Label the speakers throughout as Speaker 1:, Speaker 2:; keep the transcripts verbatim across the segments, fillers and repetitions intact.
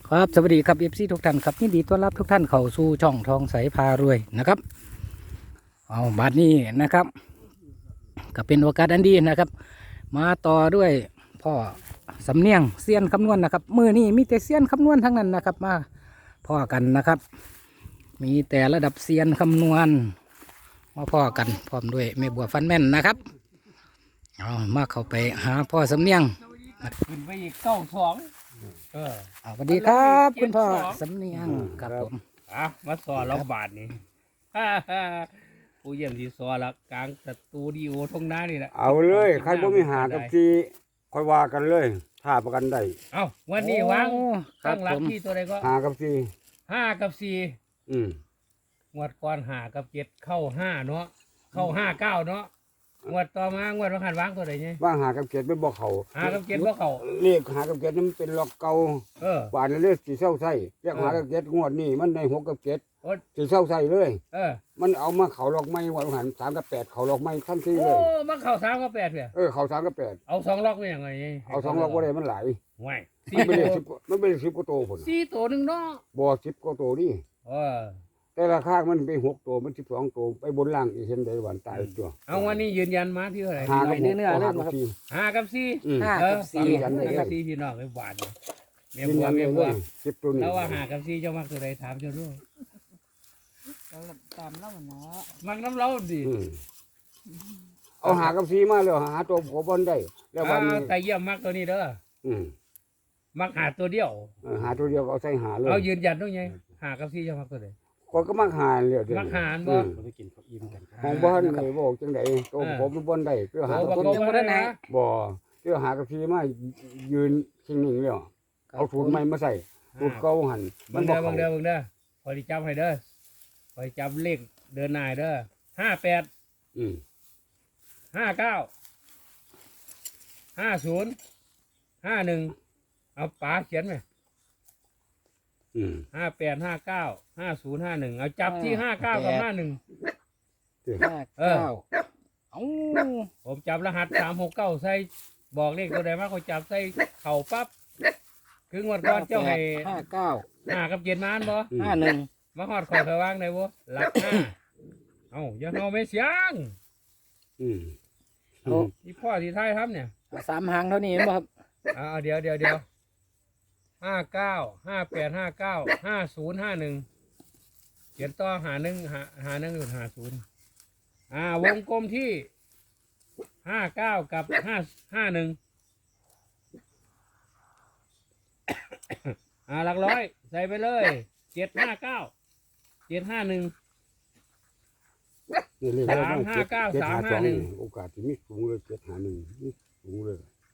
Speaker 1: ครับสวัสดีครับเอฟซีทุกท่านครับยินดีต้อนรับทุกท่านเข้าสู่ช่องทองใสพารวยนะครับเอาบัดนี้นะครับก็เป็นโอกาสอันดีนะครับ มาต่อด้วยพ่อสำเนียงเซียนคำนวณนะครับมือนี้มีแต่เซียนคำนวณทั้งนั้นนะครับมาพ่อกันนะครับ มีแต่ระดับเซียนคำนวณมาพ่อกันพร้อมด้วยแม่บัวฟันแม่นนะครับเอามาเข้าไปหาพ่อสำเนียง
Speaker 2: ขึ้นไปอีกเก้าสองเออ
Speaker 1: เอาสวัสดีครับคุณพ่อสำเนียงครับผม
Speaker 2: อ่ะมาสอนเราบาทนี่ ฮ่าฮ่าผู้เยี่ยมที่สอนละกลางสตูดิโอทงหน้านี่แหละ
Speaker 3: เอาเลยใครบ่มีหากับจีค่อยว่ากันเลยถ้าประกันได้
Speaker 2: เอาวันนี้วาง
Speaker 1: โอ้ครั
Speaker 2: ตั้
Speaker 1: บ
Speaker 2: งหลั
Speaker 1: ผ
Speaker 2: ก
Speaker 1: ม
Speaker 2: ที่ตัวใดก็
Speaker 3: หากับจี
Speaker 2: ห้ากับสี่
Speaker 3: อืม
Speaker 2: งวดก่อนหากับเจ็ดเข้าห้าเนาะเข้าห้าเก้าเนาะงวดต่อมางวดวันหันวางตัวใดเนี่ย
Speaker 3: ว่าหากับเกียรติไปบอกเขา
Speaker 2: หากับเจ็ดว่าเข้า
Speaker 3: เรียกหากับเกียรตินี่มันเป็นล็อกเก่า
Speaker 2: เออ
Speaker 3: หวานเรียกสีเศร้าไส้เรียก
Speaker 2: เออ
Speaker 3: หากับเกียรติงวดนี้มันในหกกับเกียรติ
Speaker 2: โอ้
Speaker 3: สีเศร้าไส้เลย
Speaker 2: เออ
Speaker 3: มันเอามาเขาล็อกไม้วันหันสามกับแปดเขาล็อกไม้ทันที
Speaker 2: โอ้
Speaker 3: เลย
Speaker 2: มาเข้าสามกับแปดเถอะ
Speaker 3: เออเขาสามกับแปด
Speaker 2: เอาสองล็อกเป็นยังไงนี่
Speaker 3: เอาสองล็อกว่าได้มันหลาย
Speaker 2: ห่วย
Speaker 3: มั
Speaker 2: สี่
Speaker 3: นไม่
Speaker 2: ตั
Speaker 3: ได้
Speaker 2: ว
Speaker 3: สิบมันไม่ได้สิบกว่าตัวผล
Speaker 2: สี่ตัวหนึ่งเนาะ
Speaker 3: บ่สิบกว่าตัวนี่
Speaker 2: เออ
Speaker 3: แต่ราคามันไปหกตัวมันสิบสองตัวไปบนล่างอีกเห็นได้หวานตายตัว
Speaker 2: เอาวันนี้ยืนยันมาที่เท่าไหร่
Speaker 3: หากับหกเอาหากับจี
Speaker 2: ห้ากับสี่
Speaker 3: อืม
Speaker 1: ห้า
Speaker 2: เอ
Speaker 1: กั
Speaker 2: อบ
Speaker 1: สี่
Speaker 2: ห้า
Speaker 3: ยืนยันเลย
Speaker 2: กับสี่พี่น้องไอ้หวานเมีย
Speaker 3: ยืน
Speaker 2: บัว
Speaker 3: ยัน
Speaker 2: เมีย
Speaker 3: เล
Speaker 2: บัวย
Speaker 3: สิบตัวนี้
Speaker 2: แล้วว่าหากับสี่เจ้ามักตัวใดถามเจ้าด้วย
Speaker 4: ตามแล้วเนาะ
Speaker 2: มักน้ำเล้าดิ
Speaker 3: อืมเอาหากับซีมาแล้วหาตัวผมบอลได้ แล้ววันนี้
Speaker 2: เอาแต่เยี่ยมมักตัวนี้เด้อ
Speaker 3: อืม
Speaker 2: มักหาตัวเดียว
Speaker 3: เออหาตัวเดียวก็เอาใส่หาเลย
Speaker 2: เอายืนยันด้วยไงหากับสี่เจ้ามักตัวใด
Speaker 3: คนก็มักหาเลยเดี๋ยว
Speaker 2: มัก
Speaker 3: นี้
Speaker 2: หาร
Speaker 3: อื
Speaker 2: บ่
Speaker 3: มของบ้านเลยบอกจังไดตัวผมบอลได้เพื่อหา
Speaker 2: โอ้
Speaker 3: ตัว
Speaker 2: บ่
Speaker 3: นี้
Speaker 2: บ่ได้นะ
Speaker 3: บ่เพื่อหากับซีมายืนชิงหนึ่งแล้วเอาสูตรใหม่มาใส่สูตรเก่าหันมั
Speaker 2: เบิ่
Speaker 3: น
Speaker 2: ง
Speaker 3: บอ
Speaker 2: เด้
Speaker 3: ก
Speaker 2: อ
Speaker 3: เขา
Speaker 2: เบิ่งเด้อเบิ่งเด้อพอดีจำให้เด้อพอดีจำเลขเดินหน้าให้เด้อห้าแปด
Speaker 3: อืม
Speaker 2: ห้าเก้าห้าศูนย์ห้าหนึ่งเอาป๋าเขียนไหม
Speaker 3: อืม
Speaker 2: ห้าแปดห้าเก้าห้าศูนย์ห้าหนึ่งเอาจับที่ห้าเก้ากับห้าหนึ่ง
Speaker 1: ห้าเก้าเอา
Speaker 2: ผมจับรหัสสามหกเก้าใส่บอกเลขตัวใดมาเขาจับใส่เข่าปั๊บคืองวดก่อนเจ้าให้
Speaker 1: ห้าเก้า
Speaker 2: หากับเกียรติมานบ่
Speaker 1: ห้าหนึ่ง
Speaker 2: มาหอดคอยไปวางได้บ่หลักห้าเอ้าอย่าเอาไม่เสียง
Speaker 3: อืม
Speaker 1: เอา
Speaker 2: ที่พ่อที่ท้ายทำเนี่ย
Speaker 1: สามหางเท่านี้เห็นบ่ครับ
Speaker 2: เอาเอาเดี๋ยวเดี๋ยวเดี๋ยวห้าเก้าห้าแปดห้าเก้าห้าศูนย์ห้าหนึ่งเขียนต่อหาหนึ่งหาหาหนึ่งหรือหาศูนย์อ่าวงกลมที่ห้าเก้ากับห้าห้าหนึ่งอ่าหลักร้อยใส่ไปเลยเจ็ดห้าเก้าเจ็ดห้าหนึ่ง
Speaker 3: นี่เลข
Speaker 2: สามห้าเก้า
Speaker 3: จ็ด
Speaker 2: สาม
Speaker 3: ส
Speaker 2: ห้า
Speaker 3: อง
Speaker 2: หนึ่ง
Speaker 3: โอกาสที่มีสูงเลยเจ็ดหาหนึ่งมีสูงเลย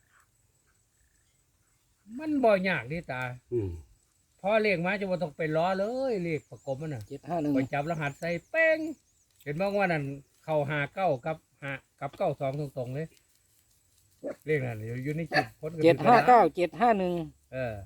Speaker 2: มันบ่ยากดิตา
Speaker 3: อืม
Speaker 2: พอเลขมาจะบ่ต้องไปล้อเลยเลขประกบมันน่ะ
Speaker 1: เจ็ดห้าหนึ่ง
Speaker 2: ไปจับรหัสใส่เป้งเห็นบ้างว่านั่นเข้าหาเก้ากับหากับเก้าสองตรงๆเลยเลขนั้นอยู่อยู่ในคลิปคนก็
Speaker 1: เจ็ด
Speaker 2: มี
Speaker 1: ห้า
Speaker 2: ปัญ
Speaker 1: เก้าเจ็ดห้าหนึ่ง
Speaker 2: เออ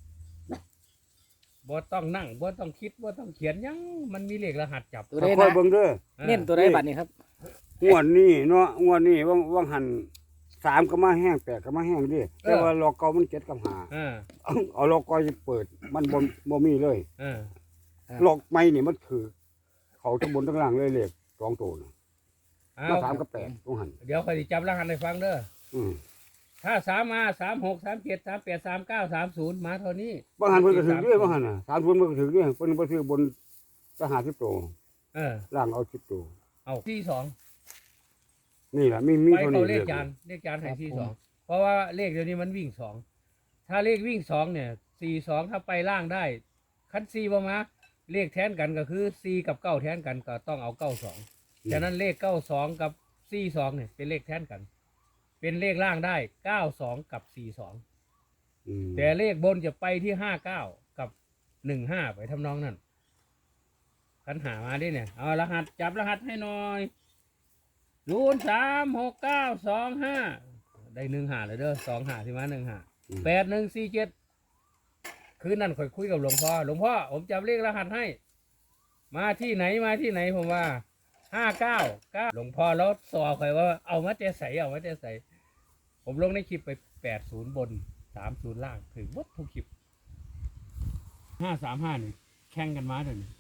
Speaker 2: บ่ต้องนั่งบ่ต้องคิดบ่ต้องเขียนหยังมันมีเลขรหัสจับ
Speaker 1: ตัวใด
Speaker 3: ค่อย
Speaker 1: นะ
Speaker 3: เบิ่งเด้อ
Speaker 2: ออ
Speaker 1: เน้นตัวใดบัตรนี่ครับ
Speaker 3: งวดนี้เนาะงวดนี้ว่างว่างหันสามก็มาแห้งแปดก็มาแห้งดิแต่ว่าลอกเก่ามันเจ็ดกับหา
Speaker 2: เออ
Speaker 3: เอาเอาลอกเก่าจะเปิด มันบ่บ่มีเลย
Speaker 2: เออ
Speaker 3: ลอกใหม่นี่มันคือ เขาทั้งบนทั้งล่างเลยเลขสองตัวน่ะ
Speaker 2: เอา
Speaker 3: มาสามกับแปดต้องหัน
Speaker 2: เดี๋ยวค่อยสิจับรหัสให้ฟังเด้อ
Speaker 3: อืม
Speaker 2: ถ้าสามมาสามหกสามเจ็ดสามแปดสามเก้าสามศูนย์มาเท่านี้
Speaker 3: บางหันเพิ่นก็ถือด้วยบางหันน่ะสามคนเพิ่นก็ถือด้วยเพิ่นบ่ถือบนจะหาสิบตัว
Speaker 2: เออ
Speaker 3: ล่างเอาสิบตัว
Speaker 2: เอาที่สอง
Speaker 3: นี่ล่ะมีมี
Speaker 2: ไป
Speaker 3: เท่า
Speaker 2: เขา
Speaker 3: นี้
Speaker 2: เล
Speaker 3: เล
Speaker 2: ข
Speaker 3: ข
Speaker 2: จานเลขจานให้ที่สองเพราะว่าเลขเดี๋ยวนี้มันวิ่งสองถ้าเลขวิ่งสองเนี่ยสี่สองถ้าไปล่างได้คันสี่ประมาเลขแทนกันก็คือสี่กับเก้าแทนกันก็ต้องเอาเก้าสองฉะนั้นเลขเก้าสองกับสี่สองเนี่ยเป็นเลขแทนกัน เป็นเลขล่างได้เก้าสองกับสี่สอง
Speaker 3: อืม
Speaker 2: แต่เลขบนจะไปที่ห้าเก้ากับหนึ่งห้าไปทำนองนั้นคันหามาดิเนี่ยเอารหัสจับรหัสให้หน่อยศูนย์สามหกเก้าสองห้าได้หนึ่งหาเลยเด้อสองหาที่มาหนึ่งหาแปดหนึ่งสี่เจ็ดคืนนั้นค่อยคุยกับหลวงพ่อหลวงพ่อผมจับเลขรหัสให้ มาที่ไหนมาที่ไหนผมว่าห้าเก้าเก้าหลวงพ่อแล้วสอคอยว่าเอามาเจใส่เอามาเจใส่ผมลงในคลิปไปแปดศูนย์บนสามศูนย์ล่างถึงวัดทุกคลิปห้าสามห้านี่แข่งกันมาเดี๋ยวนี้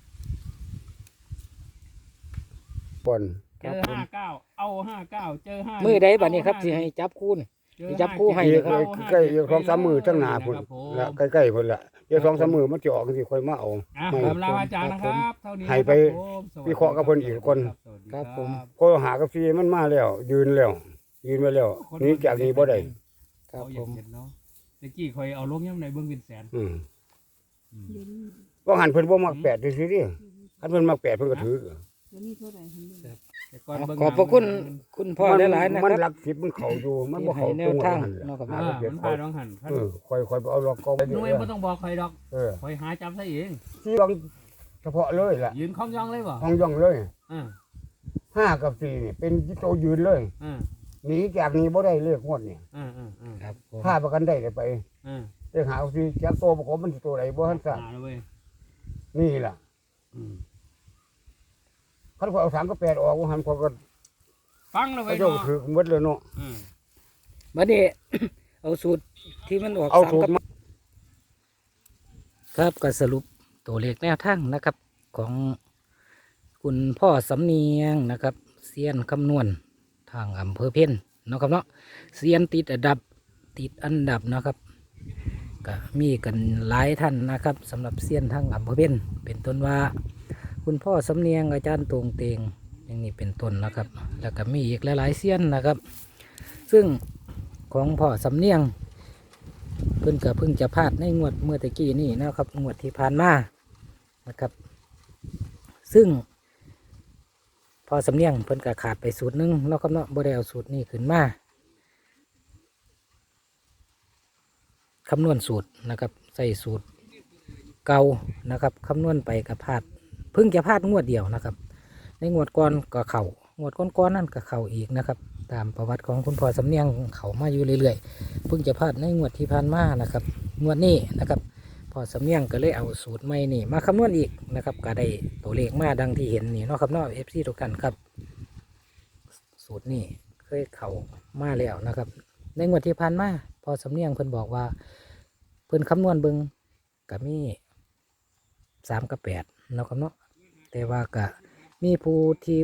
Speaker 3: บน
Speaker 2: เจอห้าเก้าเอาห้าเก้าเจอห้า
Speaker 1: มื
Speaker 2: มื
Speaker 1: อใดบัดนี้ครับสิให้จับคู่นี่ จับคู่ให้
Speaker 3: อี
Speaker 1: เล
Speaker 3: ก
Speaker 1: ยครับ
Speaker 3: ใกล้ๆสองสามมือทั้งหน้าพุ่นละใกล้ๆพุ่นละเดี๋ยวสองสามมือมันจะออกสิค่อยมาเอา
Speaker 2: อ่ะ
Speaker 3: ไม่
Speaker 2: คำลาอาจารย์นะครับเท่านี้
Speaker 3: ให้ไป
Speaker 2: ครับผม
Speaker 3: วิเคราะห์กับเพิ่นอีกคน
Speaker 2: สวัสดี
Speaker 1: ครับผม
Speaker 3: ก็หากาแฟมันมาแล้ว ยืนแล้ว ยืนไว้แล้วหนี้จากนี้บ่ได้
Speaker 1: ครับ
Speaker 2: เขาอ
Speaker 1: ผ
Speaker 2: ยาก
Speaker 1: ม
Speaker 2: เห็นเนาะตะกี้คอยเอาลงย่ำในเบิ้งวินแสน
Speaker 3: อืม
Speaker 2: อืม
Speaker 4: เดี๋ยวนี้
Speaker 3: ว่าหันเพิ่นบ่มักแปดซื่อๆดิคันเพิ่นมักแปดเพิ่นก็ถือ
Speaker 4: เดี๋ยวนี้เท่าไหร่เห็นไหม
Speaker 2: แต่ก่อนเบิ่ง
Speaker 1: ขอบพระคุณ
Speaker 2: หนัง
Speaker 1: คุณพ่อหลายๆนะ
Speaker 3: มั
Speaker 1: คน รับ
Speaker 3: หลักสิบมันเข้าอยู่มันบ่
Speaker 1: ที่ให้
Speaker 3: เข้า
Speaker 1: แน
Speaker 3: ตร
Speaker 1: ว
Speaker 3: ง
Speaker 1: ทาง
Speaker 3: นั้น
Speaker 1: เนาะครับ
Speaker 2: อ่า
Speaker 1: เนาะ
Speaker 2: มันพาดองหัน
Speaker 3: เออค่อยๆไปเอาล็อกเก่าไป
Speaker 2: หน่วยไม่ต้องบอกใครดอก
Speaker 3: เออ
Speaker 2: คอยหาจำซะเอง
Speaker 3: ที่ลองเฉพาะเลยล่ะ
Speaker 2: ยืนคล้องย่องเลยบ่
Speaker 3: ห้องย่องเลย
Speaker 2: อ่า
Speaker 3: ห้ากับสี่นี่เป็นโตวยืนเลย
Speaker 2: อ่า
Speaker 3: หนีจากนี้บ่ได้เลขงวดนี่
Speaker 2: อ่าอ่าอ่า
Speaker 1: ครับผม
Speaker 3: ถ้าประกันได้เลยไป
Speaker 2: อ่า
Speaker 3: เลขหาเอาสิจากโตประกอบมันสิตัวใดบ่ทันทราบ
Speaker 2: หาแล้วเว้ย
Speaker 3: นี่ล่ะ
Speaker 2: อืม
Speaker 3: คันพอเอาสามกับแปดออกว่าหันพอก็
Speaker 2: ฟังแล้ว
Speaker 3: เขา
Speaker 2: เว้ย
Speaker 3: เจ้า
Speaker 2: เนาะ
Speaker 3: ถือหมดเลยเนาะ
Speaker 2: อืม
Speaker 1: บัดนี้ เอาสูตรที่มันออก
Speaker 3: เอา
Speaker 1: สาม
Speaker 3: สูต
Speaker 1: กั
Speaker 3: ร
Speaker 1: บ
Speaker 3: มา
Speaker 1: ครับก็สรุปตัวเลขแนวทางนะครับ ของคุณพ่อสำเนียงนะครับเซียนคำนวณทางอำเภอเพ็ญเนาะครับเนาะเซียนติดอันดับติดอันดับนะครับก็มีกันหลายท่านนะครับสำหรับเซียนทางอำเภอเพ็ญเป็นต้นว่า คุณพ่อสำเนียงอาจารย์ตรงเตงอย่างนี้เป็นต้นนะครับ แล้วก็มีอีกหลายๆเซียนนะครับ ซึ่งของพ่อสำเนียง เพิ่นก็เพิ่งจะพลาดในงวดเมื่อตะกี้นี่นะครับงวดที่ผ่านมานะครับ ซึ่งพอสำเนียงเพิ่นก็ขาดไปสูตรหนึงเนาะครับเนาะบ่ได้เอาสูตรนี้ขึ้นมาคำนวณสูตรนะครับใส่สูตรเก่านะครับคำนวณไปก็พลาดเพิ่งจะพลาดงวดเดียวนะครับ ในงวดก่อนก็เข่างวดก้อนๆนั่นก็เข่าอีกนะครับ ตามประวัติของคุณพ่อสำเนียงเขามาอยู่เรื่อยๆเพิ่งจะพลาดในงวดที่ผ่านมานะครับงวดนี้นะครับพ่อสำเนียงก็เลยเอาสูตรใหม่นี่มาคำนวณอีกนะครับก็ได้ตัวเลขมาดังที่เห็นนี่เนาะครับเนาะเอฟซีทุกท่านครับ สูตรนี่เคยเข่ามาแล้วนะครับ ในงวดที่ผ่านมาพ่อสำเนียงเพิ่นบอกว่า เพิ่นคำนวณเบิงกับมีสามกับแปดเนาะครับเนาะแต่ว่าก็มีผู้ที่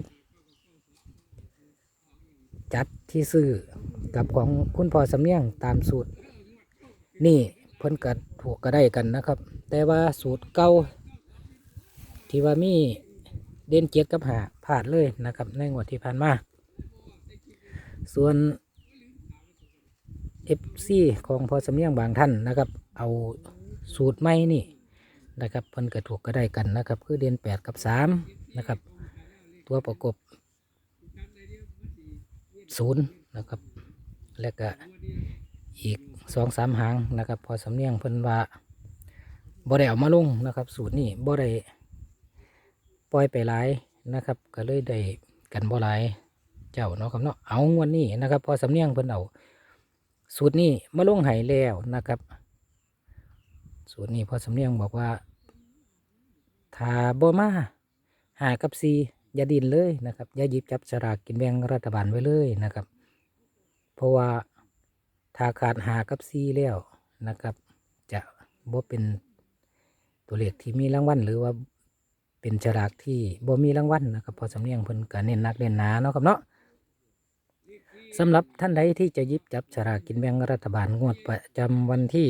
Speaker 1: จัดที่ซื้อกับของคุณพ่อสำเนียงตามสูตร นี่เพิ่นก็ถูกก็ได้กันนะครับ แต่ว่าสูตรเก่าที่ว่ามีเด่นเกียรติกับหาพลาดเลยนะครับ ในงวดที่ผ่านมา ส่วนเอฟซีของพ่อสำเนียงบางท่านนะครับ เอาสูตรใหม่นี่นะครับเพิ่นก็ถูกก็ได้กันนะครับ คือเด่นแปดกับสามนะครับ ตัวประกบศูนย์นะครับ แล้วก็อีกสองสามหางนะครับ พอสำเนียงเพิ่นว่าบ่ได้เอามาลงนะครับ สูตรนี้บ่ได้ปล่อยไปหลายนะครับ ก็เลยได้กันบ่หลายเจ้าเนาะครับเนาะเอางวดนี้นะครับ พอสำเนียงเพิ่นเอาสูตรนี้มาลงให้แล้วนะครับ สูตรนี้พอสำเนียงบอกว่าถ้าบ่มาหากับซีอย่าดินเลยนะครับอย่าหยิบจับสลากกินแบ่งรัฐบาลไว้เลยนะครับ เพราะว่าถ้าขาดหากับซีแล้วนะครับ จะบ่เป็นตัวเลขที่มีรางวัลหรือว่าเป็นฉลากที่บ่มีรางวัลนะครับ พอสำเนียงเพิ่นก็เน้นหนักเน้นหนาเนาะครับเนาะสำหรับท่านใดที่จะหยิบจับฉลากกินแบ่งรัฐบาลงวดประจำวันที่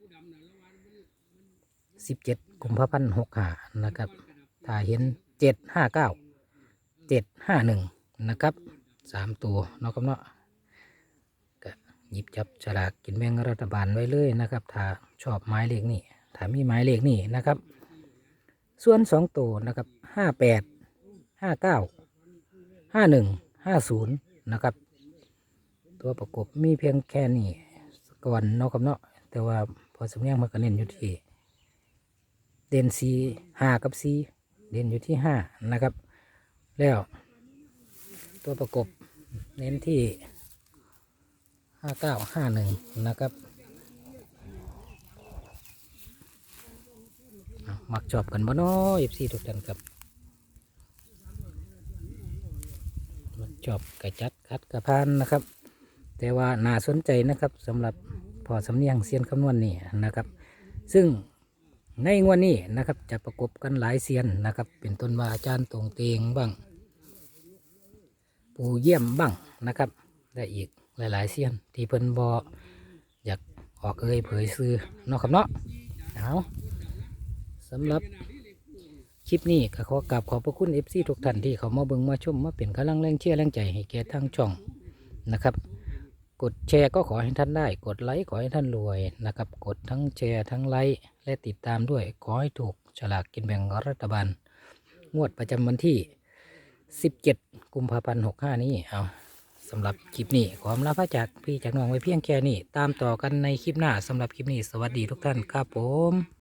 Speaker 1: สิบเจ็ดกุมภาพันธ์หกห้านะครับถ้าเห็นเจ็ดห้าเก้าเจ็ดห้าหนึ่งนะครับสามตัวเนาะครับเนาะก็หยิบจับฉลากกินแบ่งรัฐบาลไว้เลยนะครับ ถ้าชอบหมายเลขนี่ถ้ามีหมายเลขนี่นะครับ ส่วนสองตัวนะครับห้าแปดห้าเก้าห้าหนึ่งห้าศูนย์นะครับ ตัวประกบมีเพียงแค่นี้ก่อนเนาะครับเนาะแต่ว่าพอสำเนียงมันก็เน้นอยู่ที่เด่นสีห้ากับสีเด่นอยู่ที่ห้านะครับ แล้วตัวประกบเน้นที่ห้าเก้าห้าหนึ่งนะครับเอามักชอบกันบ่เนาะเอฟซีทุกท่านครับมักชอบกระจัดคัดกระพานนะครับ แต่ว่าน่าสนใจนะครับสำหรับพอสำเนียงเซียนคำนวณนี่นะครับ ซึ่งในงวดนี้นะครับจะประกบกันหลายเซียนนะครับ เป็นต้นว่าอาจารย์ตรงเตงบ้างปู่เยี่ยมบ้างนะครับและอีกหลายๆเซียนที่เพิ่นบออยากออกเอ่ยเผยซื้อเนาะครับเนาะเอาสำหรับคลิปนี้ก็ขอกราบขอบพระคุณ เอฟ ซี ทุกท่านที่เขามาเบิ่งมาชมมาเป็นกำลังแรงเชียร์แรงใจให้แก่ทางช่องนะครับ กดแชร์ก็ขอให้ท่านได้ กดไลค์ขอให้ท่านรวยนะครับ กดทั้งแชร์ทั้งไลค์และติดตามด้วยขอให้ถูกฉลากกินแบ่งรัฐบาลงวดประจำวันที่สิบเจ็ดกุมภาพันธ์หกห้านี้เอาสำหรับคลิปนี้ขออำลาพระจากพี่จากน้องไว้เพียงแค่นี้ตามต่อกันในคลิปหน้าสำหรับคลิปนี้สวัสดีทุกท่านครับผม